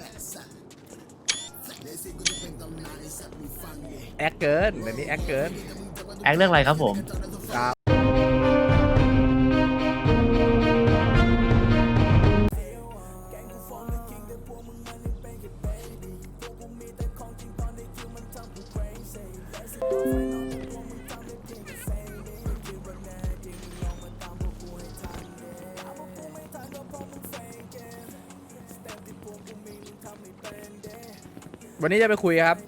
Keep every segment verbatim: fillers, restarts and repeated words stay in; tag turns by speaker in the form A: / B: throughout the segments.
A: แอคเกินเดี๋ยวนี้แอคเกิน
B: แอคเรื่องอะไรครับผม
A: วันนี้จะไปคุยครับ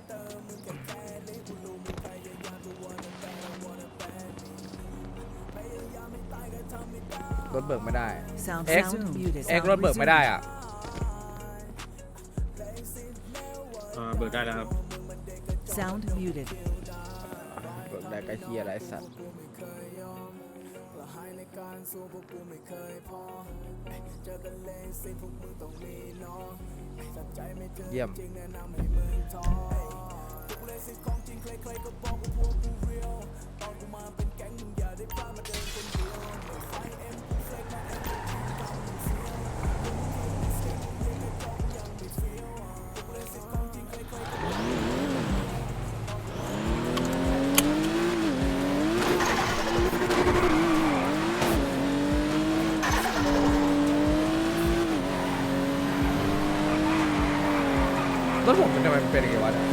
A: รถเบิกไม่ได้ เอ็กซ์เอ็กซ์รถเบิกไม่ได้อ่ะ
C: อ่าเบิกได้แล้วครับ
D: Sound muted.
A: เบิกได้ก็เฮียอะไรสัตว์เยี่ยมรถผมมันทำไมมันเป็นอย่างงี้วะเนี่ย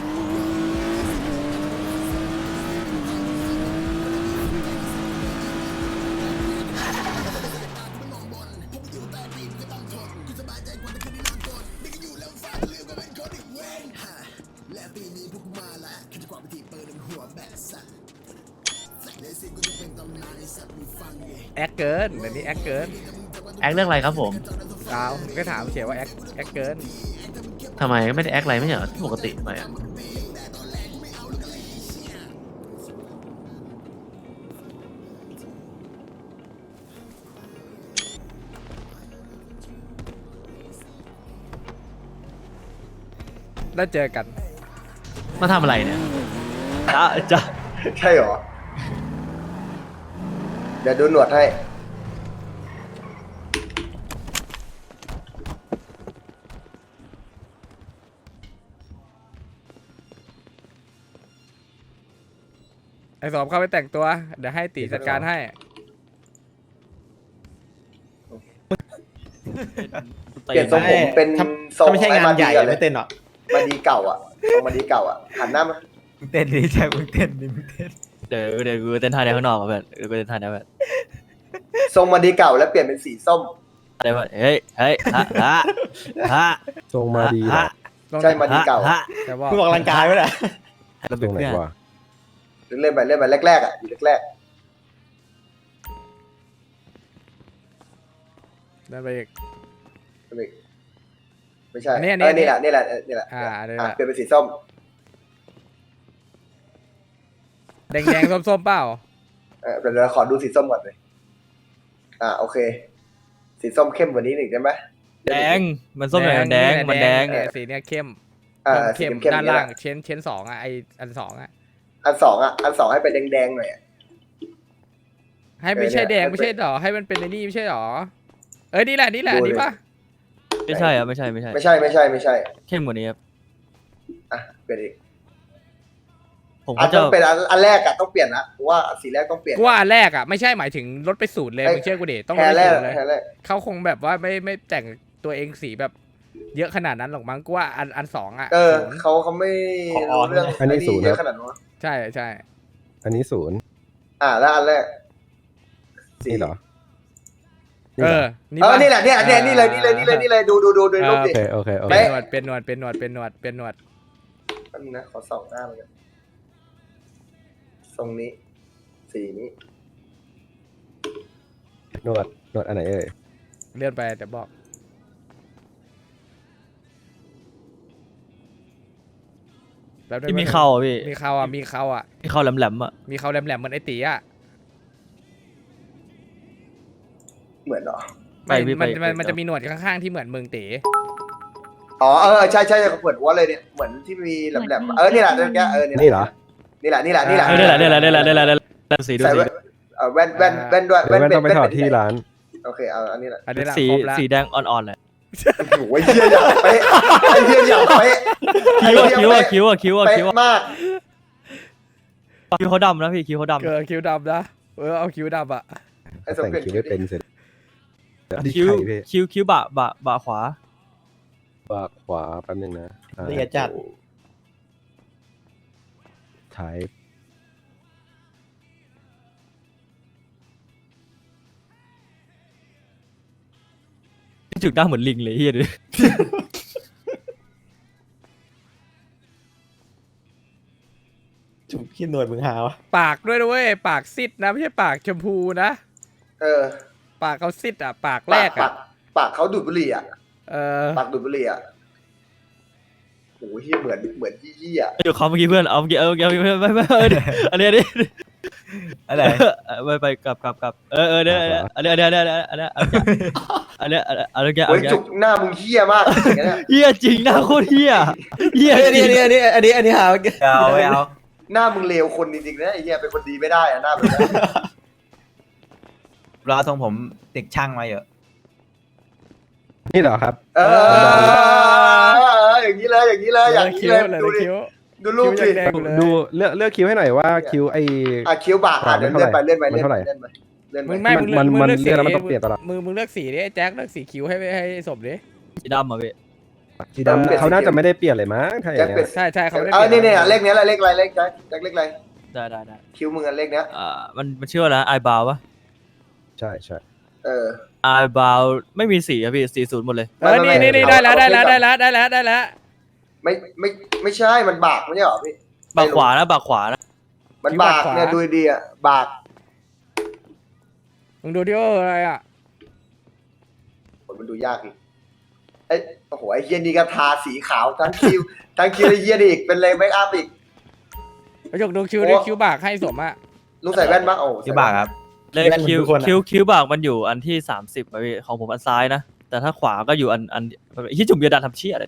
A: แอคเกินเดี๋ยวนี้แอคเกิน
B: แอคเรื่องอะไรครับผม
A: ดาวผมก็ถามเฉยว่าแอคแอคเกิน
B: ทำไมไม่ได้แอคอะไรไม่ใช่เหรอปกติทำไมอ่ะ
A: แล้วเจอกัน
B: มาทำอะไรเนี่ย
E: จ้าจ้าใช่เหรอ เดี๋ยวดูหนวดให้
A: ไอ้สอบเข้าไปแต่งตัว เดี๋ยวให้ตีจัดการให้
E: เปลี่ยนทรงผมเป็นทรง
F: ถ้าไม่ใช่งานใหญ่
E: ก่อลย
F: ไม่เต้นหรอก
E: มาดีเก่าอ่ะทรงมาดีเก่าอ่ะหันหน้ามา
F: มึงเต้นดิแจ็คมึงเต้นดิมึงเต้น
B: เดี๋ยวเดี๋ยวกูเต้นท่าเดียวข้างนอกอ่ะเพื่อนเดี๋ยวกูเต้นท่าเดียวเพื่อน
E: ทรงมาดีเก่าแล้วเปลี่ยนเป็นสีส้ม
B: เดี๋ยวเพื่อนเฮ้ยเฮ้ยฮะฮะฮะ
G: ทรงมาดีเหรอ
B: ฮะ
E: ใช่มาดีเก่า
B: ฮะ
A: แต่ว่า
F: มึงออกกำลังกายไว้แหละ
B: ระ
G: ต
B: เบิ
G: ร
B: ด
G: งไหน
B: เนี่ย
G: วะ
E: เล่นไปเล่นไปแรกๆอ่ะอยู่แรก
A: นั่นไปอีก
E: ๆไม่ไม่ใช่
A: อันนี้อัน
E: เอ
A: นี้
E: อนี่แหละนี่แหละเออนี่แหละ
A: อ่าอันนี้แห
E: อ่ะ
A: ละ
E: เปลี่ยนเป็นสีส้ม
A: แดงแดงๆส้มๆเปล่า
E: เออเดี๋ยวเราขอดูสีส้มก่อนเลยอ่าโอเค สีส้มเข้มกว่านี้หนึ่งได้ไหม
B: แดงมันส้มอย่างแดงมันแดง
A: เนี่ยสีเนี้ยเข้ม
E: อ่าสี
A: เข้ม
E: เข้มๆ
A: ด้าน
E: นี่แห
A: ล่าง
E: ละ
A: เชนเชนสองอ่ะไออันสองอ่ะ
E: อันสองอ่ะอันสองให้เป็นแดงๆหน่อยอะ
A: ให้ไม่ใช่
E: เออ
A: แด
E: เนี่ย
A: งไม่ใช่หรอให้มันเป็นในนี่ไม่ใช่หรอเอ้ยนี่แหละนี่แหละ
E: ดู
A: นี่
E: เลย
A: ปะ
B: ไม่ใช่อ่ะไม่ใช่ไม่ใช่
E: ไม่ใช่ไม่ใช่ไม่ใช่
B: เข้มกว่านี้ครับ
E: อ่ะเปลี่ยนอีก
B: ผม
E: อั
B: ก็
E: น
B: จะ
E: ต้องเป็นอันอันแรกอะต้องเปลี่ยนนะเพราะว่าสีแรกต้องเปลี่ยน
A: กูว่าอันแรกอ่ะไม่ใช่หมายถึงรถไปสูตรเลย
E: เอ้ย
A: มึงเชื่อกูดิต้องร
E: แค่
A: ถไป
E: แรก
A: สูตรเลย
E: แค่แรก
A: เขาคงแบบว่าไม่ไม่แต่งตัวเองสีแบบ เยอะขนาดนั้นหรอกมั้งกูว่าอันอันสองอ่ะ
E: เออ
A: ศูนย์
E: เขาเขาไม่รู้เรื่อง
G: อันนี้ศูนย์
E: เย
G: ค
E: อะ
G: รับ
E: ขนาดนั้นวะ
A: ใช่ใช่
G: อันนี้ศูนย์
E: อ่าแล้วอันแรกสี
G: นี่เหรอ
A: เอ
G: เหร
A: อ
E: เออ
A: ปะ
E: นี่แหละเนี่ยเนี่ยนี่เลยนี่เลยนี่เลยนี่เลยดูดูดูดูรูป
G: โอ
E: ดิ
G: เคโอเคโอ
A: เป็
G: เคน
A: หนวดเป็นหนวดเป็นหนวดเป็นหนวดเป็นหนวด
E: อันนี้นะขอส่องหน้ามันกันทรงนี้ สีนี้
G: นวดนวดอันไหนเอ่ย
A: เลื่อนไปแต่บอกแล้ว
B: ที่มีเข่าอ่ะพี่
A: มีเขาอ่ะมีเขาอ่ะ
B: มีเข่าแหลมๆอ่ะ
A: มีเขาแหลมๆเหมือนไอตีอ่ะ
E: เหมือนเหรอ
B: ไปพี่ไป
A: มันมัน
B: ไป
A: มันจะมีหนวดข้างๆที่เหมือนมึงตี
E: อ๋อเออใช่ใช่เหมือนวัวเลยเนี่ยเหมือนที่มีแหลมๆเออนี่แหละนี่แหละเออ
G: นี่เหรอ
E: นี่แหละนี่แหละนี่แหละ
B: เออนี่แหละนี่แหละนี่แหละนี่แหละนี่แหละสีดู
E: ใส่
B: สี
E: แว่นเออแว่นแว่นแว่นด้วย
G: เดี๋ยวแม่ต้องไป
E: เป็น
G: ถอดที่ร้าน
E: โอเคเอาอันนี้แหละ
A: อันนี้ละ
B: สี
A: ครบละ
B: สีแดงอ่อนๆเลย
E: โอ้โหไอ้เหี้ยอย่างเป๊ะไอ้เหี้ยอย่างเป๊ะ
B: คิ้วอะคิ้วอะคิ้วอะคิ้วอะ
E: เป๊ะ
B: คิ้วอะ
E: มาก
B: คิ้วเขาดำนะพี่คิ้วเขาดำ
A: เกิดคิ้วดำนะเออเอาคิ้วดำอ่ะ
E: ไอ้สม
G: แต่ง
E: เกียรติ
G: คิ้วไม่เป็นเสร็จอันนี้
B: คิ้ว
G: ไข่พี่
B: คิ้วคิ้วบะบะบะขวา
G: ปากขวาแป๊บนึงนะอ่า
F: ละเอียดจัด
G: ท้าย
B: จุดหน้าเหมือนลิงเลยเฮียดู
F: จุกขี้หนวดมึงหาวะ
A: ปากด้วยนะเว้ยปากซิดนะไม่ใช่ปากชมพูนะ
E: เออ
A: ปากเขาซิดอ่ะ ปากแร
E: ปาก
A: ก
E: ปา
A: อ่ะ
E: กปากเขาดูดบุหรี่อ่ะ
A: เออ
E: ปากดูดบุหรี่อ่ะโอ้โหเหี้ยเหมือนเหมือนยี่ยี่อ่ะ
B: อยู่เขาเมื่อกี้เพื่อนเอาเมื่อกี้เอาเมื่อกี้เอาเมื่อกี้ไม่ไม่เอออันนี้อันนี้
F: อะไร
B: ไปไปกลับกลับกลับเออเออเนี่ยอันนี้อันนี้อันนี้อันนี้อันนี้อันนี้อันนี้อัน
E: โอ้ย
B: นี้
E: จุกหน้ามึงเหี้ยมากอย่างเงี้ย
B: เฮียจริงหน้าโคตรเฮียเฮีย
F: อัน
B: จ
F: นี้
B: ริง
F: อันนี้อันนี้อันนี้หาวเอาไม่เอา
E: หน้ามึงเลวคนจริงๆนะไอ้เหี้ยเป็นคนดีไม่ได้อะหน้าแบบนี้
F: รอทรงผมเด็กช่างมาเยอะ
G: นี่เหรอครับ
E: เอออย่างนี้เลยอย่างนี้เลยอย่างนี้
A: คิ้ว
E: เลย
A: เลย
E: ดูดิ
A: คิ้ว
E: ดูรูป
A: คิ้
E: ดิ
A: วแดงๆเลย
G: ดูเลือกเลือกคิ้วให้หน่อยว่าคิ้วไอ
E: อ่ะคิ้วบากอ่ะเดี๋ยวเลื่อนไปเลื่อนไป
G: มัน
E: เลื่อน
G: เท่า
E: ไป
G: ไหร่
E: เลื่อนไปเลื่อนไป
A: มึงไม่มึงเลือก
G: มัน
A: มึง
G: มัน
A: เลือกสี
G: เลือกแล้วมันต้องเปลี่ยนตลอด
A: มึงมึงเลือกสีดิไอ้แจ็คเลือกสีคิ้วให้ให้สมดิ
B: สีดำอ่ะพี่
G: สีดำเขาน่าจะไม่ได้เปลี่ยนเลยมั้งถ้าอย่าง
E: แจ็ค
G: เงี้
E: เป็ด
G: ย
A: ใช่ใช่เขาไม่ได้
E: เออ
A: ปลี่
E: เนี่ย ยเนี่ยเลขเนี้ยแหละเลขอะไรเลขแจ็คแจ็คเลขอะไร
B: ได้ได้ได้
E: คิ้วมึงอะเลขเนี้ย
B: อ่ามันมันชื่อว่าอะไรไอบาวปะ
G: ใช่ใช่
E: เออ
B: ไอบาวไม่มีสีอะพี่สีศูนย์หมดเลย
A: เออนี่นี่นี่ได้แล้วได้แล้วได้แล้วได้แล้วได้แล้ว
E: ไม่ไม่ไม่ใช่มันบากไม่ใช่หรอพี่
B: บากขวานะบากขวานะ
E: มันบากเนี่ยดูดีอ่ะบาก
A: มึงดูที่ว่าอะไรอ่ะ
E: มันดูยากอีกไอ้โอ้โหไอ้เฮียนี่ก็ทาสีขาวทั้งคิ้วทั้งคิ้วไอ้เฮียนี่อีกเป็นเลยเมคอัพอีก
A: ไปจกดูคิ้วดิคิ้วบากให้สมอ่ะ
E: ลุงใส่แว่นปะโอ้
F: ที่บากครับ
B: เลขคิวคิวคิวบากมันอยู่อันที่สามสิบอะพี่ของผมอันซ้ายนะแต่ถ้าขวาก็อยู่อันอันที่จุ่มเบียร์ดันทำเชี่ยอะไร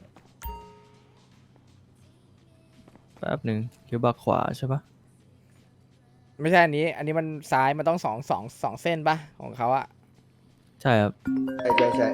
B: แป๊บหนึ่งคิวบากขวาใช่ปะ
A: ไม่ใช่อันนี้ อันนี้มันซ้ายมันต้องสองสองสองเส้นปะของเขาอ่ะ
B: ใช่ครับ
E: ใช่ใช่ใช่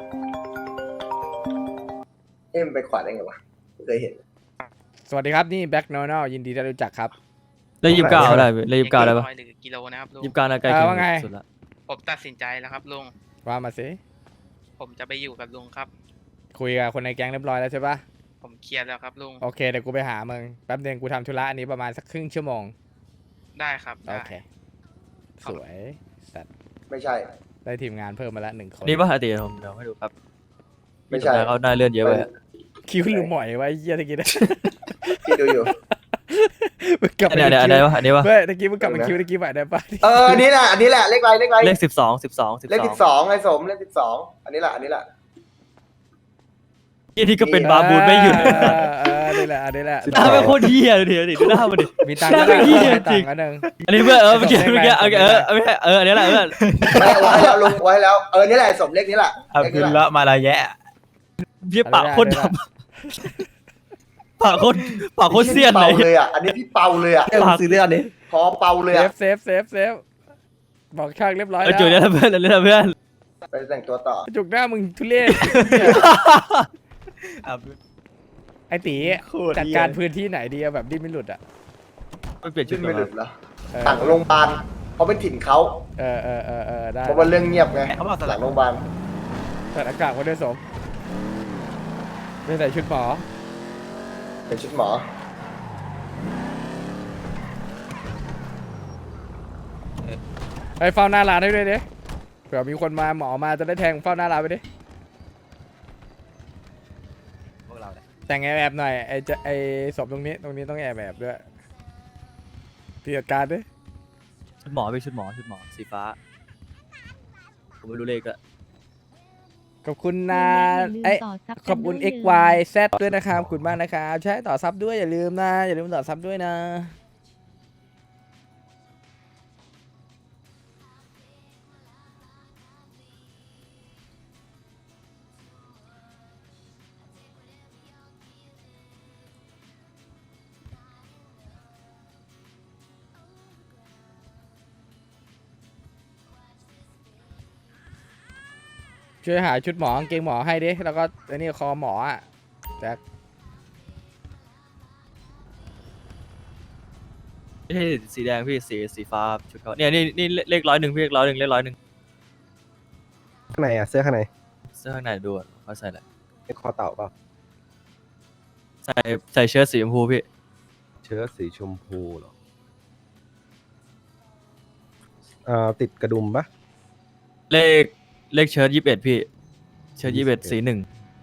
E: เอ็มนไปขวาได้ไงวะไม่เคยเห็น
A: สวัสดีครับนี่แบ็คโนนอลยินดีได้รู้จักครับ
B: เลขยี่สิบเก้าได้พี่เลขยี่สิบเก้าได้ปะ
H: หรือกิโลนะครับลุง
B: ยี่สิบเก้าน่าใกล้
A: เออ
B: เคีย
A: ว่าไง
B: งสุดละ
H: ผมตัดสินใจแล้วครับลุง
A: ว่ามาสิ
H: ผมจะไปอยู่กับลุงครับ
A: คุยกับคนในแก๊งเรียบร้อยแล้วใช่ปะ
H: ผมเคลียร์แล้วครับลุง
A: โอเคเดี๋ยวกูไปหามึงแป๊บเดียวกูทำธุระอันนี้ประมาณสักครึ่งชั่วโมง
H: ได้ครับได้
A: โอเคสวยสัตว์
E: ไม่ใช่
A: ได้ทีมงานเพิ่มมาละหนึ่งคน
B: นี่ปะอดีตผมเดี๋ยวให้ดูครับ
E: ไม่ใช่
B: เขาได้เลื่อนเยอะไปอะ
A: คิ้วหรือหมอยไวะไอ้เหี้ยตะกี้นะ
E: ที่ดูอยู่
A: มึงกลับ
B: อัน
A: มา
B: นี้อันนี้อันนี้ปะอันนี้ปะ
A: เฮ้ยตะกี้มึงกลับมาคิ้วตะกี้ใหม่ได้ปะ
E: เอออันนี้แหละอันนี้แหละเลขอะไรเลขอะไร
B: เลขสิบสองสิบสองสิบ
E: เลข
B: สอ
E: สิ
B: ง
E: บสองไอ้สมเลขสิบสองอันนี้แหละอันนี้แหละ
B: ที่นี่ก็เป็นบาบูนไม่หยุด
A: เออเออนี่แหละอันนี้แหละ
B: หน้าเป็นโคตรเหี้ยเลยเดี๋ยวดิดูหน้ามันดิ
A: มีตังค์
B: หน้า
A: ก็
B: เป็น
A: ได้
B: เหี้ย
A: ให้
B: จริ
A: ตัง
B: ง
A: ค์ก็หนึ่ง
B: อันนี้เพื่อนเออเมื่อกี้เมื่อกี้เออเออไม่ใช่เอออันนี้แหละเพื่อน
E: ไม่ไว้ให้แล้วลุงไว้ให้แล้วเออนี่แหละสมเลขนี้แหละ
F: เอา
E: เลข
F: คื
E: นี้
F: น
E: แหละ
F: ละมาละแยะ
B: พี่ปากโคตรดำปากโคตรปากโคตรเสี้ยน
E: เปา
B: เลย
E: เลยอ่ะอันนี้พี่เปาเลยอ่ะ
F: เรื่องซื้อเรื่องนี้
E: พอเปาเลย
A: เซ
E: อ่ะ
A: ฟเซฟเซฟเซฟบอกช่างเรียบร้อย
B: เออ
A: แล้ว
B: จุดนี้นะเพื่อนอันนี้นะเพื่อน
E: ไปแต่งตัวต่อ
A: จุกหน้ามึงทุเรศไอ้ตี
F: โคตร
A: จัดการพื้นที่ไหนดีอะแบบดิ้นไม่หลุดอ่ะ
B: ไม่เปลี่ยนชุ
E: ขึ้
B: ด
E: น
B: ก่อ
E: ไม่
B: น
E: หลุดเหรอ
A: เออ
E: หลังโรงพยาบาลเพราะเป็นถิ่นเขา
A: เออเออเออเออได้
E: เพราะว่าเรื่องเงียบไง
F: เขาบอกส
E: ห
F: ลั
E: ลั
F: ก
E: งโรงพยาบาล
A: เปิดอากาศมาด้วยสมไม่ใส่ชุดหมอ
E: เป็นชุดหมอ
A: ไปเฝ้าหน้าร้านให้ด้วยดิเผื่อมีคนมาหมอมาจะได้แทงเฝ้าหน้าร้านไปดิ
F: พวกเราเนี่ย
A: แต่งแอบๆหน่อยไอ้จะไอ้ศพตรงนี้ตรงนี้ต้องแอบแบบด้วยพี่จัดการดิ
B: ชุดหมอพี่ชุดหมอชุดหมอสีฟ้าผมไม่รู้เลขอะ
A: ขอบคุณนะไอ้ยขอบคุณ x y z ด้วยนะครับขอบคุณมากนะครับใช้ต่อซับด้วยอย่าลืมนะอย่าลืมต่อซับด้วยนะช่วยหาชุดหมอกางเกงหมอให้ดิแล้วก็ไอ้นี่คอหมออ่ะแจ็ค
B: ไม่ใช่สีแดงพี่สีสีฟ้าชุดเขาเนี่ยนี่นี่เลขร้อยหนึ่งพี่เลขร้อยหนึ่งเลขร้อยหนึ่ง
G: ข้างในอ่ะเสื้อข้างใน
B: เสื้อข้างในดูอะเขาใส่อะไร
G: เป็นคอเต่าเปล่า
B: ใส่ใส่เชิ้ตสีชมพูพี่
G: เชิ้ตสีชมพูเหรออ่าติดกระดุมปะ
B: เลขเลขเชิ้ตยี่สิบเอ็ดพี่เชิ้ตยี่สิบเอ็ดสีหนึ่ง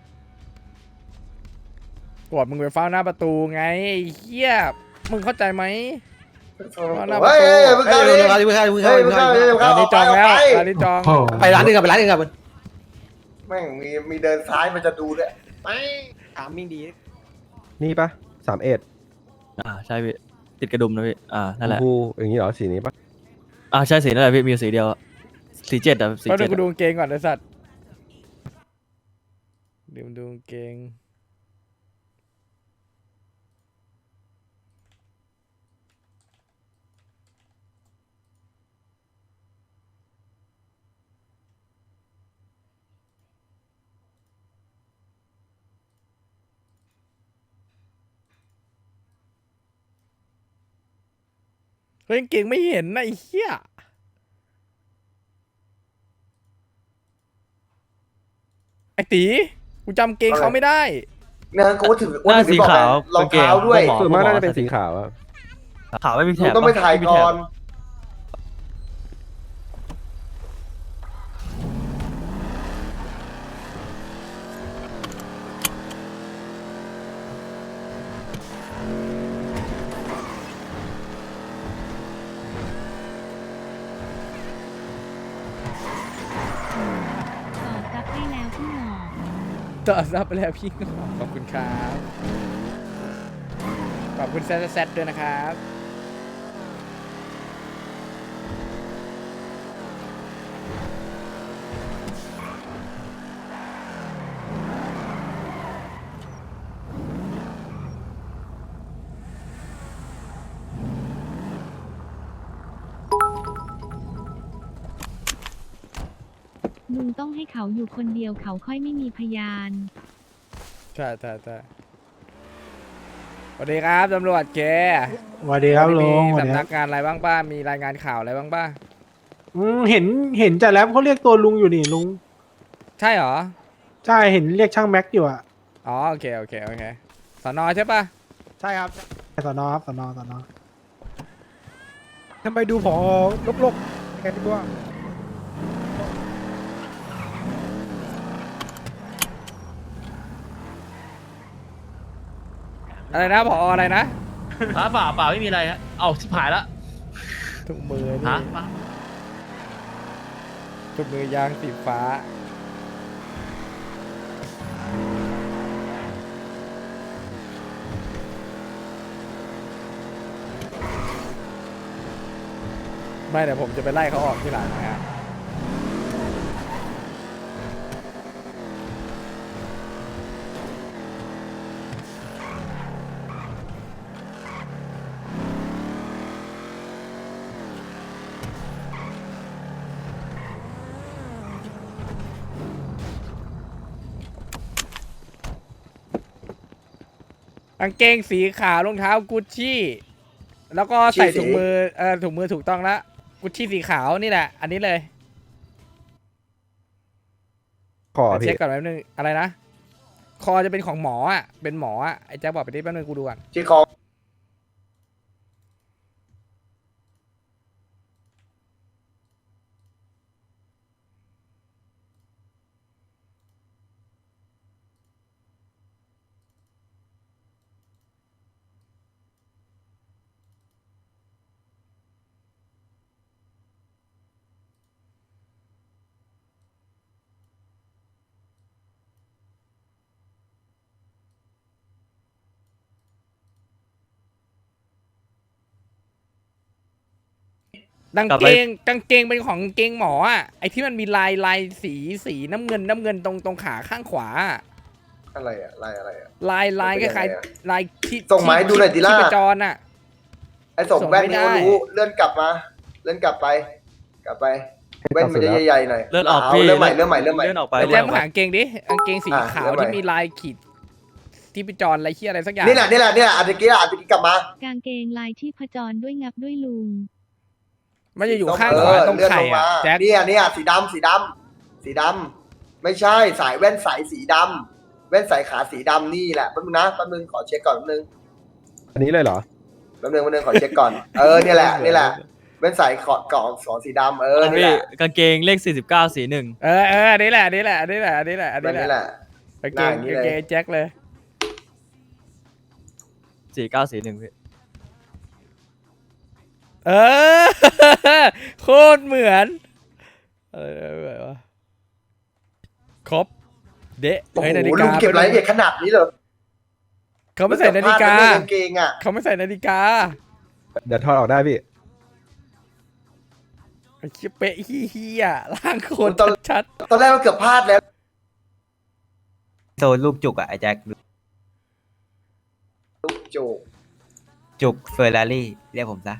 A: กดมึงไปเฝ้าหน้าประตูไงไอ้เหี้ยมึงเข้าใจไหม
E: เฮ้ยเฮ้ยมึงเข้าดิ
F: เดี๋ยวเข้าเดี๋ยวเข้า
E: เฮ้ย
F: เดี๋
E: มึ
F: ยว
E: ง
F: เข้า
E: เข้า
F: เดี๋ยว
E: ดิ
F: เข้า
E: มึงเข้า
A: ร้านนี้จองแล้ว
E: ออกไป
A: ร้านนี้จอง
F: ไปร้านนึงกับไปร้านนึงกับ
E: แม่งมีมีเดินซ้ายมันจะดูด้วยไป
F: ถามมิ่งดี
G: นี่ปะสามเอ็ด
B: อ่าใช่พี่ติดกระดุมนะพี่อ่า
G: ช
B: นั่น
G: ม
B: แหละ
G: พูอย่างนี้เหรอสีนี้ปะ
B: อ่าใช่สีนั่นแหละพี่มีสีเดียวสีเจ็ดอะสี
A: เขาดู
B: เจ็ด
A: กูดูกางเกงก่อนไอ้สัตว์ดูดูกางเกงเฮ้ยกางเกงไม่เห็นนะไอ้เหี้ยไอ้ตีกูจำเกงเขาไม่ได้
E: เนี่ยกูถึง
B: หน้าสีขาว
E: รองเท้าด้วย
B: กางเกง
G: ส่วนมากน่าจะเป็นสีขาวอะ
B: ขาวไม่มีแถ
E: มึง
B: บ
E: ต้องไปถ่าย
B: ม่มี
E: ก่
B: แถ
E: อบ น
I: ต่อซับให้แล้วพี่หมอ
A: ต่อซับไปแล้วพี่ขอบคุณครับขอบคุณแซดแซดด้วยนะครับ
I: ลุงต้องให้เขาอยู่คนเดียวเขาค่อยไม่มีพยาน
A: ใช่ใช่ใช่สวัสดีครับตำรวจแก
J: สวัสดีครับลุง
A: มี
J: สวัสดี
A: สำ
J: ค
A: นั
J: รับ
A: กงานอะไรบ้างป้ามีรายงานข่าวอะไรบ้างป้า
J: อืมเห็นเห็นจ่าแรปเขาเรียกตัวลุงอยู่นี่ลุง
A: ใช่เหรอ
J: ใช่เห็นเรียกช่างแม็กอยู่อ่ะ
A: อ๋อโอเคโอเคโอเคสอนอใช่ปะ
J: ใช่ครับสอนอครับสอนอสอนอ
G: ทำไมดูผอลกๆแกดีกว่า
A: อะไรนะผออะไรนะ
C: เปล่าเปล่าเปล่าไม่มีอะไรฮะเอาชิบหายละ
A: ถุงมือ
C: ฮะ
A: นี่ถุงมือยางสีฟ้าไม่เดี๋ยวผมจะไปไล่เขาออกที่หลังนะฮะ กางเกงสีขาวรองเท้ากุชชี่แล้วก็ใส่ถุงมือเออถุงมือถูกต้องแล้วกุชชี่สีขาวนี่แหละ อันนี้เลย
G: คอ
A: เดี๋ยว
G: พี่
A: เช็คก่อนแป๊บนึงอะไรนะ คอจะเป็นของหมออ่ะเป็นหมออ่ะไอ้แจ๊คบอกไปดิแป๊บนึงกูดูก่อน
E: ที่คอ
A: กางเกงกางเกงเป็นของกางเกงหมออ่ะไอ้ที่มันมีลายลายสีสีน้ำเงินน้ำเงินตรงตรงขาข้างขวาอะ
E: อะไรอะลายอะไรอะ
A: ลายลายค
E: มันเป็น
A: ล้าย
E: ยังไงอะ
A: ๆลายที่
E: ส่งมาให้ดูหน่อยดิล่ะ
A: ที่ประจรอ่ะ
E: ไอ้ส่งแว่นนี่
A: ส่งไม่
E: เขา
A: ได้
E: รู้เลื่อนกลับมา เลื่อนกลับไป กลับไปเว้นมันจะใหญ่ๆหน่อย
B: เลื่อนออก
E: า
B: พี่
E: เริ่มใหม่เริ่มใหม่เริ่มใหม่
B: เลื่อนออกไป
A: ไอ้
B: เลื่
A: แจ๊
B: อน
A: ค
B: ออก
A: มึง
B: ไป
A: หากางเกงดิกางเกงสี
E: อ่ะ
A: ขาว
E: เริ่มใหม่
A: ที่มีลายขีดที่ปิจรอะไรเชี่ยอะไรสักอย่าง
E: นี่แหละนี่แหละนี่แหละอันตะกี้อ่ะอันตะกี้กลับมา
I: กางเกงลายที่ผจรด้วยงับด้วยลุง
A: มันจะอยู่ข้าง
E: เอ
A: ขวา
E: อ
A: ตรง
E: เลื่อน
A: ไข่
E: ลงมา
A: อะแจ็ค
E: เนี่ยเนี่ยสีดำสีดำสีดำไม่ใช่สายแว่นสายสีดำแว่นสายขาสีดำนี่แหละแป๊บนึงนะแป๊บนึงขอเช็คก่อนแป๊บนึง
G: อันนี้เลยเหรอ
E: แป๊บนึงแป๊บนึงขอเช็คก่อนเออเนี่ยแหละนี่แหละแว่นสายขอดกล่องสองสีดำเออนี่
B: พี่
E: แหละ
B: กางเกงเลขสี่สิบเก้าสีหนึ่ง
A: เออเอออันนี้แหละอันนี้แหละอันนี้แหละอันนี้แหละอัน
E: แบบ
A: นี้
E: นี้
A: แห
E: แห
A: ละ
E: ละ
A: กางเกง
E: หน้าอย่างนี้
A: กาง
E: เลย
A: เกงแจ็คเลย
B: สี่เก้าสีหนึ่งพี่
A: เออ โคตรเหมือนเออเหมือนวะครบเดะ
E: โอ้โห
A: เฮ้ยนาฬิ
E: ลุ
A: กาง
E: เก็บรายละเอียดขนาดนี้เลย
A: เขาไม่ใส่นาฬิกา
E: เสื้อผ้ในกางเกงอ่ะ
A: เขาไม่ใส่นาฬิกา
G: เดี๋ยวถอดออกได้พี่
A: ไอ้เชี่ยเป๊ะเฮี้ยๆร่างโคนชัด
E: ตอนแรกมันเกือบพลาดแล้ว
F: โซนลูกจุกอะไอ้แจ็ค
E: ลูกโจก
F: จุกเฟอร์รารี่เรียกผมซะ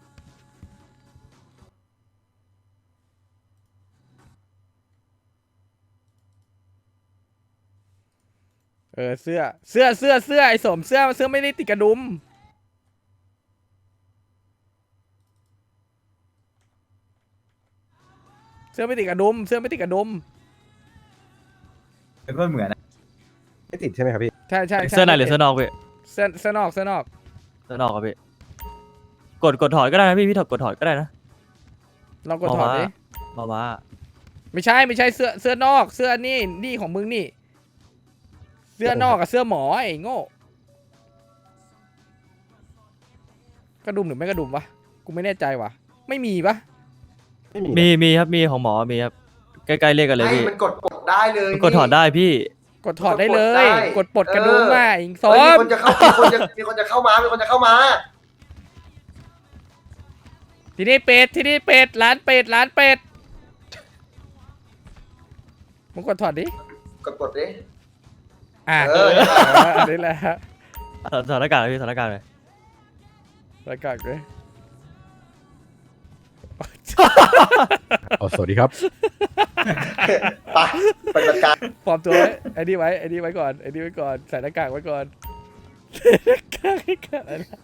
A: ๆเออเสื้อเสื้อเสื้อเสื้อไอ้สมเสื้อเสื้อไม่ได้ติดกระดุมเสื้อไม่ติดกระดุมเสื้อไม่ติดกระดุม
F: ก็เหมือน
G: ไม่ติดใช่ไหมครับพี่
A: ใช่ใช่ใช่
B: เสื้อในหรือเสื้อนอกพี่
A: เสื้อเสื้อนอกเสื้อนอก
B: เสื้อนอกครับพี่กดกดถอดก็ได้นะพี่พี่ถอดกดถอดก็ได้นะ
A: ลองกดถอดดิ
B: มามา
A: ไม่ใช่ไม่ใช่เสื้อเสื้อนอกเสื้อนี่นี่ของมึงนี่ เสื้อนอกกับเสื้อหมอไอ้โง่กระดุมหรือไม่กระดุมวะกูไม่แน่ใจวะไม่มีปะ
G: ไม่มี
B: มีมีครับมีของหมอมีครับใกล้ๆเลขกันเลย
E: ให้
B: พี่
E: มันกดกดได้เลย
B: มันกดถอดได้พี่
A: กดถอดได้เลย
E: กดได้
A: กดปลดกระดุม
E: เออ
A: มาอีกสอ
E: เฮ้ยมี
A: ง
E: คนจะเข้ามีคนจะมีคนจะเข้ามามีคนจะเข้ามา
A: ทีนี้เป็ดทีนี้เป็ดร้านเป็ดร้านเป็ดมึงกดถอดดิ
E: กดกดดิ
A: อ่ะ
E: เออ
A: เอออันนี้แหละ
B: สถานการณ์เลยพี่สถานการณ์เลย
A: แล้วก็เลย
G: อ๋อสวัสดีครับ
E: ไปปฏิบัติการ
A: ปลอมตัวไว้ไอ้นี่ไว้ไอ้นี่ไว้ก่อนไอ้นี่ไว้ก่อนใส่หน้ากากไว้ก่อนใส่หน้ากากไว้ก่อนอะไรนะ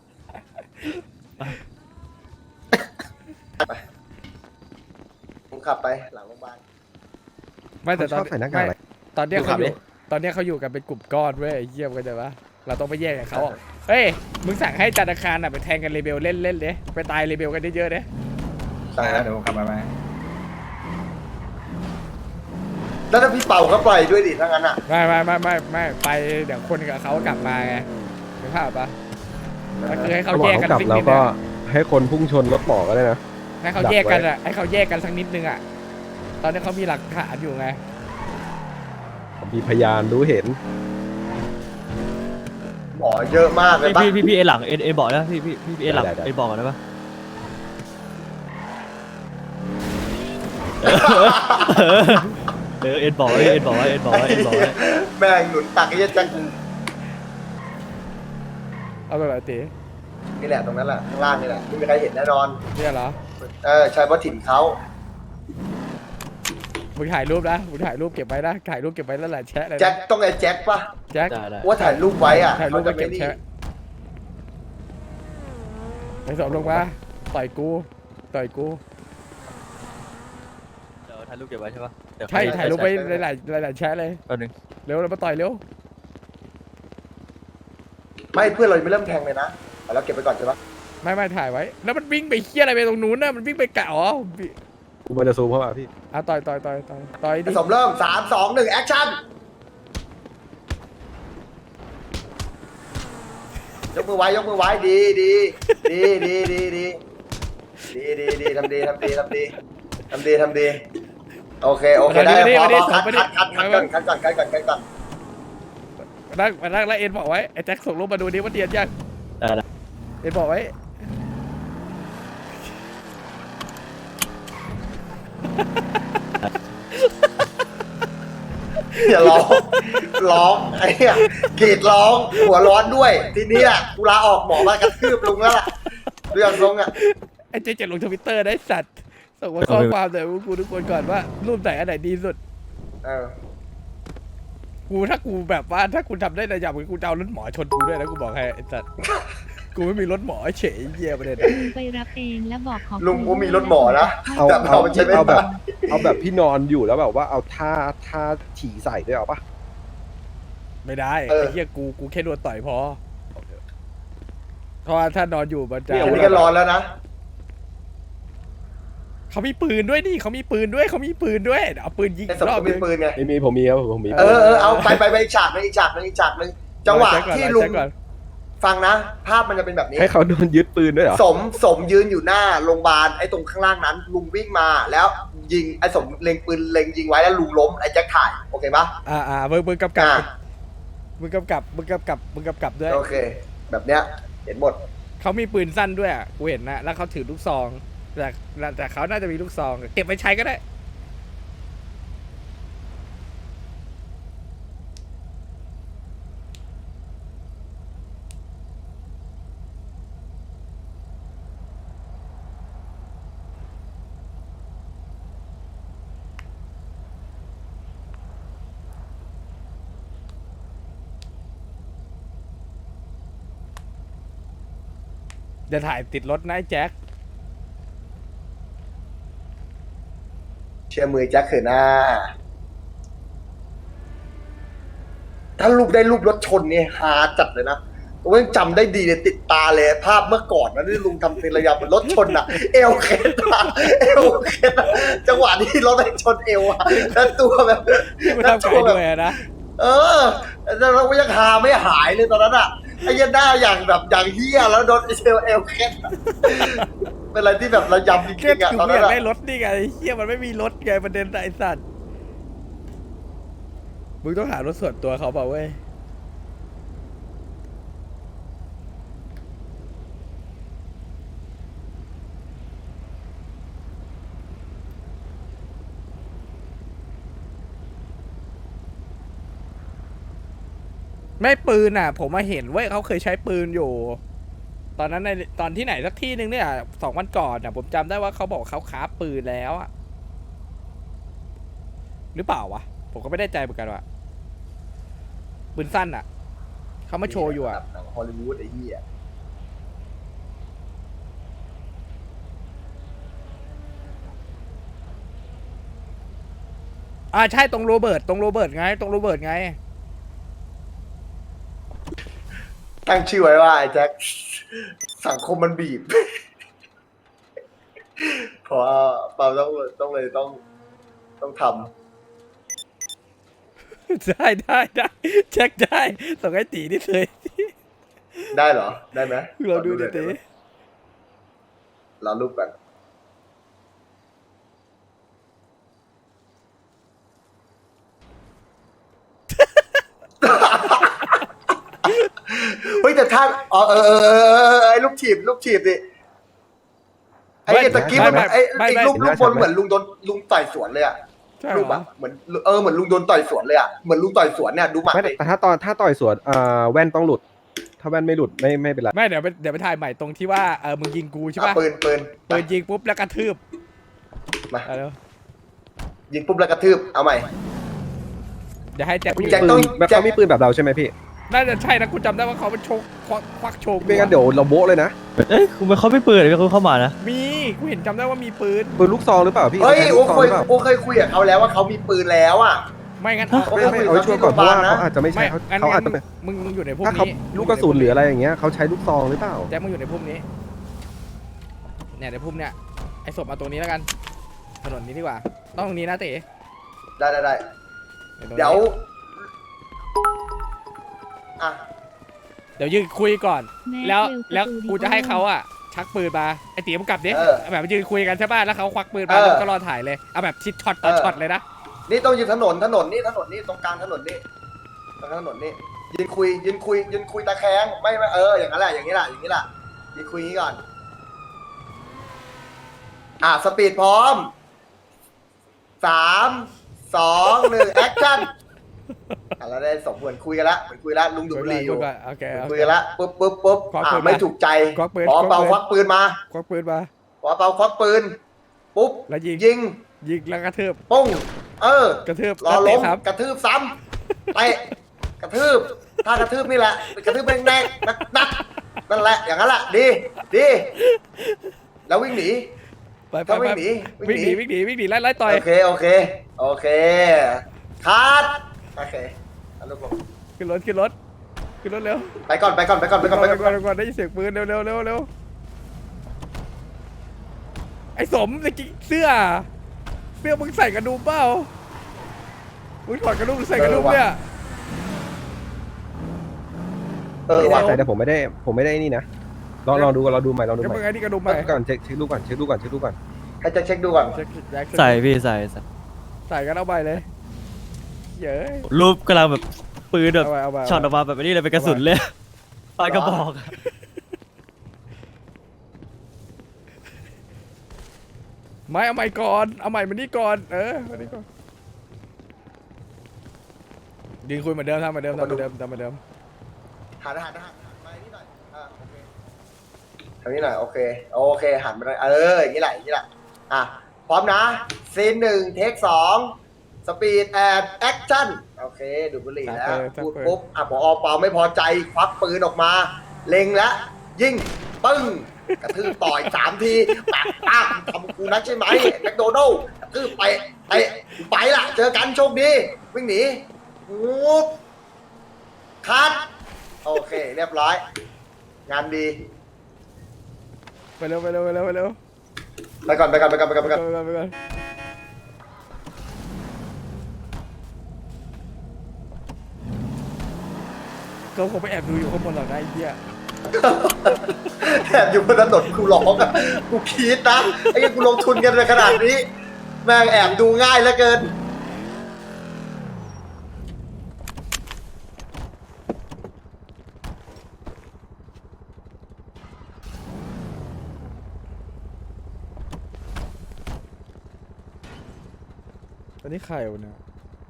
E: ผมขับไปหลังโรงพยาบาล
A: ไม่แต่ตอน
G: เขาชอบใส่หน้ากากอะไร
A: ไม่ตอนเนี้ยเขาอ
E: ดู
A: ยู่
E: ขับดิ
A: ตอนเนี้ยเขาอยู่กันเป็นกลุ่มก้อนเว้ยไอ้เยี่ยมกันเลยวะเราต้องไปแยกกับเขาอ่ะเฮ้ยมึงสั่งให้จันทคารอ่ะไปแทงกันเรเบลเล่นเล่นๆเด้ไปตายเรเบลกันเยอะๆเด้
E: ใช่แล้ว
F: เดี๋ยวผมกลับมาไหม
E: แล้วถ้าพี่เป่าก็ปล่อยด้วยดิถ้างั้นอ่ะ
A: ไม่ไม่ไม่ไม่ไม่ไปเดี๋ยวคนกับเขากลับมาไงนึกภาพปะก็คือให้เขา
G: เขาบ
A: แย
G: อก
A: ก
G: เขา
A: กัน
G: กลับ
A: สัก
G: แล้
A: นิ
G: ว
A: ดนึ
G: ก็
A: ง
G: ให้คนพุ่งชนรถหมอก็ได้นะ
A: ให้เขาแยกกันอ่ะให้เขาแยกกันสักนิดนึงอ่ะตอนนี้เขามีหลักฐานอยู่ไง
G: มีพยานรู้เห็น
E: หมอเยอะมากเลย
B: พี่
E: ปะ
B: พี่พี่พี่เอหลังเอเอบอกนะพี่พี่พี่เอหลัง
G: ได้ได้
B: เอบอกก่อนได้ปะเออเอ็นบอกไว้เอ็นบอกไว้เอ็นบอกไว้เอ็นบอกไว้
E: แม่งหนุนตักไอ้เหี้ยจัง
A: เอาตัวไหนตี
E: นี่แหละตรงนั้นแหละข้างล่างนี่แหละไม่มีใครเห็นแน่นอน
A: เนี่ยเหรอ
E: เออใช่เพราะถิ่นเขา
A: มึงถ่ายรูปนะมึงถ่ายรูปเก็บไว้นะถ่ายรูปเก็บไว้แล้วแหละแชะเลยนะ
E: แจ็คต้องไอ้แจ็คปะ
A: แจ็ค
B: ได้ได้
E: ว่าถ่ายรูปไว้อ่ะ
A: ถ่ายรูป
E: เขา
A: ไป
E: จะ
A: เก็
E: ไม่
A: บ
E: นี่
A: แชะไอ้สมลงมาต่อยกูต่อยกู
B: เดี๋ยวถ่ายรูปเก็บไว้ใช่ปะเดี๋ยว
A: ใช่ถ่ายรูปไว้หลายๆหลายๆแชะเลย
B: แป๊บนึง
A: เร็วเรามาต่อยเร็ว
E: ไม่เพื่อนเรายังไม่เริ่มแทงเลยนะแต่เราเก็บไปก่อนใช่ปะ
A: ไม่ไม่ถ่ายไว้ แล้วมันวิ่งไปเคี้ยอะไรไปตรงนู้นน่ะมันวิ่งไปกะอ๋อ
G: กูมันจะซูมเข้ามาพี่
A: อ่ะต่อยต่อยต่อยต่อยต่อยดิ
E: ผสมเริ่มสามสองหนึ่งแอคชั่นยกมือไว้ยกมือไว้ดีดีดีดีดีดีดีดีดีทำดีทำดีทำดีทำดีทำดีโอเคโอเคได้พอพอคัดคัดคัดคัดก่อนคัดก่อนคัดก่อนคัดก่อน
A: มานั่งมานั่งแล้วเอ็นบอกไว้ไอ้แจ็คส่งรูปมาดูดิว่าเตียนยัง
B: ได้ได้
A: เอ็นบอกไว้
E: อย่าร้องร้องไอ้เนี่ยกรีดร้องหัวร้อนด้วย ทีนี้อ่ะกูลาออกหมอมากระทืบลุงแล้วล่ะเรื่องทรงอ่ะ
A: ไอ้เจ๊จะลงทวิตเตอร์ได้สัตว์ส่งมาข้อความหน่อยพวกกูทุกคนก่อนว่ารูปไหนอันไหนดีสุด
E: เออ
A: กูถ้ากูแบบว่าถ้ากูทำได้ระดับกูจะเอารถหมอชนกูด้วยนะกูบอกให้ไอ้สัตว์ กูไม่มีรถหมอเฉยเยี่ยประเด็น
I: ลุงไปรับเองและบอกขอบคุณ
E: ลุงกูมีรถหมอนะ
G: เอา
E: แต่
G: เอา
E: มันใช้ไม่
G: เอาแบบ
E: ได้
G: เอาแบบพี่นอนอยู่แล้วแบบว่าเอาท่าท่าฉี่ใส่ด้วยเอาปะ
A: ไม่ได้ไอ้เหี้ยกูกูแค่โดนต่อยพอเพราะว่าถ้านอนอยู่มันจะ
E: อันนี้ก็ร้อนแล้วนะ
A: เขามีปืนด้วยนี่เขามีปืนด้วยเขามีปืนด้วยเดี๋ยวเอาปืนยิง
E: ไอ้
A: อี
E: สม
A: กรอบ
E: ก็
A: นึ
E: มี
A: ง
E: ปืนไง
G: ไม่มีผมมีครับผมมี
E: เออเออเอาไปไปไปอีกฉากหนึงอีกฉากหนึงอีกฉากหนึงจังหวะที่ลุง
A: แจ็คก่อน
E: ฟังนะ ภาพมันจะเป็นแบบนี้
G: ให้เขาโดนยึดปืนด้วยเหรอ
E: สมสมยืนอยู่หน้าโรงพยาบาลไอ้ตรงข้างล่างนั้น ลุงวิ่งมาแล้วยิงไอ้สมเล็งปืนเล็งยิงไว้แล้วลุงล้มไอ้แจ็คถ่ายโอเคปะ
A: อ่าอ่ามึงมึงกำกับ
E: อ่า
A: มึงกำกับมึงกำกับมึงกำกับด้วย
E: โอเค แบบเนี้ยเห็นหมด
A: เขามีปืนสั้นด้วยอ่ะกูเห็นนะแล้วเขาถือลูกซองแต่แต่เขาน่าจะมีลูกซองเก็บไว้ใช้ก็ได้เดี๋ยวถ่ายติดรถนะไอ้แจ็ค
E: เชื่อมือแจ็คเถอะนะถ้ารูปได้รูปรถชนเนี่ยฮาจัดเลยนะผมยังจำได้ดีเลยติดตาเลยภาพเมื่อก่อนนะที่ลุงทำเป็นระยะเหมือนรถชนอะเอวเคสอะเอวเคสอะจังหวะที่รถไปชนเอวอะแล้วตัวแบบ
A: ที่มัน
E: แล้ว
A: ทำ
E: ตั
A: ไก่
E: วแบบ
A: ด้วยอะนะ
E: เออแต่เราก็ยังหาไม่หายเลยตอนนั้นอะไอ้ยันหน้าอย่างแบบอย่างเฮี้ยแล้วโดนเอวเอวเคสอะเป็นอะไรที่แบบระยำจ
A: เก็
E: ริ
A: ต
E: งๆอะ
A: กู
E: ตอน
A: ไม่
E: นั้
A: อน ยาก
E: อะ
A: ได้รถนี่ไงเฮียมันไม่มีรถไงประเด็นไอ้สัตว์มึงต้องหารถส่วนตัวเขาเปล่าเว้ยไม่ปืนอ่ะ ผมมาเห็นเว้ยเขาเคยใช้ปืนอยู่ ตอนนั้นในตอนที่ไหนสักที่หนึ่งเนี่ยสองวันก่อนอ่ะผมจำได้ว่าเขาบอกเขาค้าปืนแล้วอ่ะหรือเปล่าวะผมก็ไม่ได้ใจเหมือนกันว่ะปืนสั้นอ่ะเขามาโชว์อยู่อ่ะ
E: หนังฮอลลีวูดไอ้เหี้ย
A: อ่าใช่ตรงโรเบิร์ตตรงโรเบิร์ตไงตรงโรเบิร์ตไง
E: ตั้งชื่อไว้ว่าไอ้แจ็คสังคมมันบีบ เพราะว่าเปาต้องต้องเลยต้องต้องท
A: ได้ได้ได้เช็คได้ส่งให้ตีนี่เลย
E: ำได้เหรอ ได้ไหม
A: เราดูดิ
E: หน่อย
A: ตี
E: ไไหมเรารูปกัน เฮ้ยแต่ท่านอ๋อเออเออเออเออไอ้ลูกถีบลูกถีบดิไอ้ตะกี้มันไอ้ไอ้ลูกลูกบนเหมือนลุงโดนลุงต่อยสวนเลยอะ
A: ใช่
E: รูป
A: เหร
E: อะ
A: อ
E: เหมือนเออเหมือนลุงโดนต่อยสวนเลยอะเหมือนลุงต่อยสวนเนี่ยดูหมัด
G: ไม่
E: ดิ
G: แต่ถ้าตอนถ้าต่อยสวนอ่าแว่นต้องหลุด ถ้าแว่นไม่หลุดไม่ไม่เป็นไร
A: ไม่เดี๋ยวไปเดี๋ยวไปถ่ายใหม่ตรงที่ว่าเออมึงยิงกูใช่
E: อ่ะ
A: ป่ะ
E: ปืนปืน
A: ปืนยิงปุ๊บแล้วกระทืบ
E: มา
A: เอาเร็ว
E: ยิงปุ๊บแล้วกระทืบเอาใหม่
A: เดี๋ยวให้แจ็ค
E: แจ็ค
G: ปื
E: ต้อง
G: นแบบเขามีปืนแบบเราใช่ไหมพี่
A: น่าจะใช่นะกูจำได้ว่าเขาเป็นโชกควักควักโชว์กู
G: ไม่งั้นเดี๋ยวเราโบ๊ะเลยนะ
B: เอ้ยคุณไม่เขาไม่เปิดเลยเขาเข้ามานะ
A: มีกูเห็นจำได้ว่ามีปืน
G: ปืนลูกซองหรือเปล่าพี่
E: เฮ้ย
G: ใช้
E: โอ้
G: ลูกซอง
E: เค
G: ห
E: ย
G: รือเปล่า
E: โอ้เคยคุยกับเขาแล้วว่าเขามีปืนแล้วอ่ะ
A: ไม่งั้น
E: โอ้
G: ไม่ไม่เอาไว้ช่วยก่อนเพราะว่าเขาอาจจะไม่ใช่
A: ไม่
G: เขา
A: งั้น
G: เขาอาจจะ
A: งั้นมึงมึงอยู่ในพวก
G: ถ้าเขา
A: นี้
G: ลูกกระสุนหรืออะไรอย่างเงี้ยเขาใช้ลูกซองหรือเปล่า
A: แจ็คมึงอยู่ในพวกนี้เนี่ยในพวกเนี้ยไอ้ศพมาตรงนี้แล้วกันถนนนี้ดีกว่าต้องตรงนี้นะเต๋
E: ได้ได้ได้
A: ตรงนี้
E: เดี๋ยวอ่ะ
A: เดี๋ยวยืนคุยก่อน
I: แม่
A: แล้ว
I: เวล
A: แล้ว
I: สตูดิโอ
A: กูจะให้เขาอะชักปืนมาไอ้ตีมึงกลับดิ
E: เออ
A: แบบยืนคุยกันใช่ป่ะแล้วเขาควักปืนมา
E: เออ
A: แล้วก็รอถ่ายเลยเอาแบบชิดช็อตต่อ
E: เออ
A: ช็อตเลยนะ
E: นี่ต้องยืนถนนถนนนี่ถนนนี่ตรงกลางถนนนี่ตรงกลางถนนนี่ยืนคุยยืนคุยยืนคุยตะแคงไม่ไม่เอออย่างนั้นแหละอย่างนี้แหละอย่างนี้แหละยืนคุยอย่างนี้ก่อนอ่ะสปีดพร้อมสามสองหนึ่งแอคชั่นอ่ะเราได้สมควรคุยกันละเหมือนคุยละลุงดูดบุหรี่อยู่
A: คุก่นโอเคโอ
E: คุย
A: เค
E: กันละปุ๊บปุ๊บปุ๊บ
A: ควัก
E: อ่ะ
A: ปืนมา
E: ไม่ถูกใจ
A: ควักปืน
E: ขอเปา
A: ค
E: ค
A: วั
E: วั
A: ก
E: ก
A: ปื
E: ปื
A: น
E: นมา
A: ควักปืนมา
E: ขอเปาควักปืนปุ๊บ
A: แล้วยิง
E: ยิง
A: ยิงแล้วกระทืบ
E: ปุ้งเออ
A: กระทืบ
E: รอ
A: แล้ว
E: ล้
A: เตะ
E: ม
A: ซ้
E: กระทืบซ้ำเตะกระทืบถ้ากระทืบนี่แหละกระทืบแรงๆนักนักนั่นแหละอย่างนั้นแหละดีดีแล้ววิ่งหนี
A: ำไปไป
E: ถ้าวิ่
A: ไป
E: งหนีวิ่
A: วิ่ง
E: ง
A: ห
E: หนี
A: นีวิ่งหนีวิ่งหนีไล่ไล่ต่อย
E: โอเคโอเคโอเคคัดโอเคเอาลูกลง
A: ขึ้นรถขึ้นรถขึ้นรถเร็ว
E: ไปก่อนไปก่อนไปก่อนไป
A: ไป
E: ก่
A: ก่
E: อ
A: อน น
E: ไป
A: ไป
E: ก่
A: ก่
E: อ
A: อน นไปก่อนได้ยินเสียงปืนเร็วเร็วเร็วเร็วไอ้สมตะกี้เสื้อเสื้อมึงใส่กระดุมเปล่ามึงถอดกระดุมหรือใส่กระดุมเนี่ย
E: เออว่ะ
G: ใส่แต่ผมไม่ได้ผมไม่ได้นี่นะลองลองดูก่อนลองดูใหม่ลองดู
A: ก็
G: ให
A: มึ
G: ม่
A: งไอ้นี่กระดุมใหม่
G: ก่อนเช็คเช็คดูก่อนเช็คดูก่อนเช็คดูก่อน
E: ให้จะเช็คดูก่อน
A: เช็คแจ็ค
B: ใส่พี่ใส่ใส่
A: ใส่กันเอาไปเลยเย้ย
B: รูปกำลังแบบปืนแบบ
A: เอาไปเอาไป
B: ช็อตออกมาแบบนี้เลยเป็นกระสุนเลยปลายกระบอก
A: ไม่เอาใหม่ก่อนเอาใหม่มานี่ก่อนเออมานี่ก่อนดีคุยเหมือนเดิมทำเหมือนเดิมทำเหมือนเดิมทำเหมือนเดิม
E: หันหันหันหันมานี่หน่อยอ่าโอเคทางนี้หน่อยโอเคโอเคหันมาหน่อยเอออย่างนี้แหละอย่างนี้แหละอ่ะพร้อมนะซีนหนึ่งเทคสองสปีดแอนแอคชั่นโอเคดูดบุหรี่แล้วพูดปุ๊บอ่ะพอเปาไม่พอใจควักปืนออกมา เล็งแล้วยิงปึ้งกระทืบต่อยสามทีปากปากทำกูนักใช่ไหมแมคโดนัลด์กระทืบไปไปไปละเจอกันโชคดีวิ่งหนีปุ๊บคัดโอเคเรียบร้อย งานดี
A: ไปเร็วไปเร็วไปเร็วไปเร็ว
E: ไปก่อนไปก่อนไปก่อนไปก่อนไป
A: ไป
E: ก่อน
A: ก่อนไปก่อนเขาคงไปแอบดูอยู่ข้างบนหรอกนะไอ้เหี้ย
E: แอบอยู่บนถนนกูร้องอ่ะกูคิดนะไอ้เหี้ยกูลงทุนกันในขนาดนี้ แม่งแอบดูง่ายเหลือเกิน
A: ตอนนี้ใครวะเนี่ย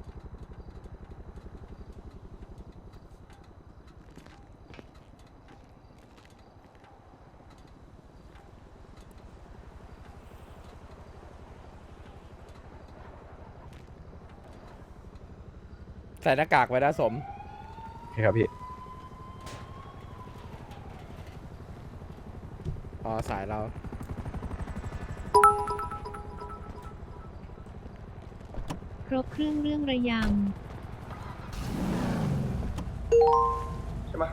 A: ใส่หน้ากากไว้นะสม
G: โอเคครับพี่
A: อ๋อสายเรา
I: ครบเครื่องเรื่องระย
E: ใช่ไหม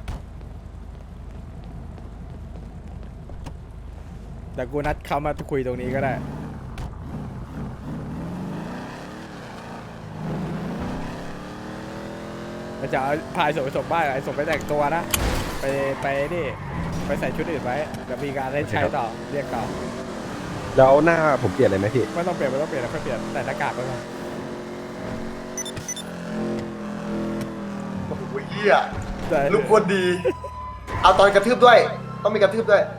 A: แต่กูนัดเขามาคุยตรงนี้ก็ได้ มันจะเอาพายส่งไปส่งบ้านไอ้ส่งไปแต่งตัวนะ ไปไปนี่ไปใส่ชุดอื่นไว้เดี๋ยวมีการให้ใช้ต่อเรียกต่อ
G: แล้วหน้าผมเปลี่ยนเลยไหมพี่
A: ไม่ต้องเปลี่ยนไม่ต้องเปลี่ยนแล้วค่อยเปลี่ยนแต่หน้ากากไปก่อน
E: โอ้โหเหี้ย
A: แต่
E: ลูกคนดี เอาตอนกระทืบด้วย ต้องมีกระทืบด้วย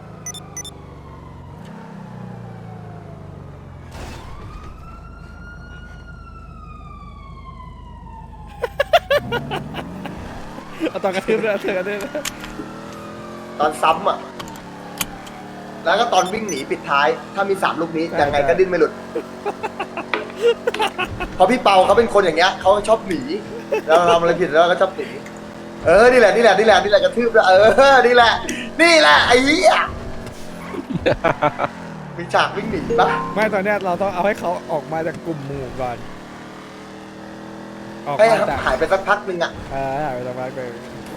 A: เอาตอนกระทืบด้วยเธอกระทืบด้วย
E: ตอนซ้ำอ่ะ แล้วก็ตอนวิ่งหนีปิดท้าย ถ้ามีสามลูกนี้ยังไงก็ดิ้นไม่หลุด เพราะพี่เปาเขาเป็นคนอย่างเงี้ยเขาชอบหนีเราทำอะไรผิดแล้วก็ชอบหนีเออนี่แหละนี่แหละนี่แหละนี่แหละกระทืบแล้วเออนี่แหละ นี่แหละไอ้เหี้ยมีฉากวิ่งหนีปะ
A: ไม่ตอนเนี้ยเราต้องเอาให้เขาออกมาจากกลุ่มหมู่ก่อน ออก
E: ให้
A: มาจาก
E: หายไปสักพักหนึ่งอ่ะ
A: เออหายไปสักพักเลย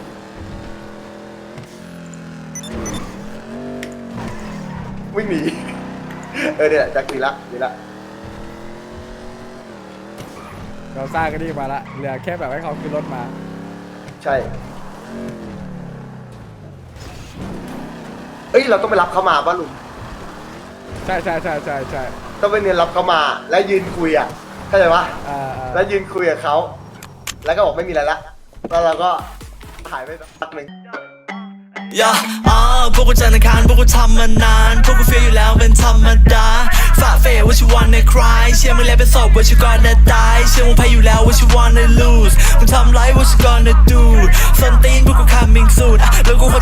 E: วิ่งหนี เออเนี่ยจากดีละดีละ
A: เราสร้างกันนี่มาละเหลือแค่แบบให้เขาขึ้นรถมา
E: ใช่ เอ้ยเราต้องไปรับเขามาป่ะลุง
A: ใช่ใช่ใช่ใช่ใช่
E: ต้องไปเนียนรับเขามาแล้วยืนคุยอ่ะเข้าใจปะ
A: อ่าอ่า
E: แล้วยืนคุยกับเขาแล้วก็บอกไม่มีอะไรละแล้วเราก็หายไปสักพักหนึ่ง
K: ย่าอ่าพวกกูจันทร์อังคารพวกกูทำมานานพวกกูเฟียอยู่แล้วเป็นธรรมดาฝ่าเฟย what you wanna cry เชื่อมึงแล้วเป็นศพ what you gonna die เชื่อมึงแพ้อยู่แล้ว what you wanna lose มึงทำไร what you gonna do ส้นตีนพวกกู coming soon อ่ะแล้วกู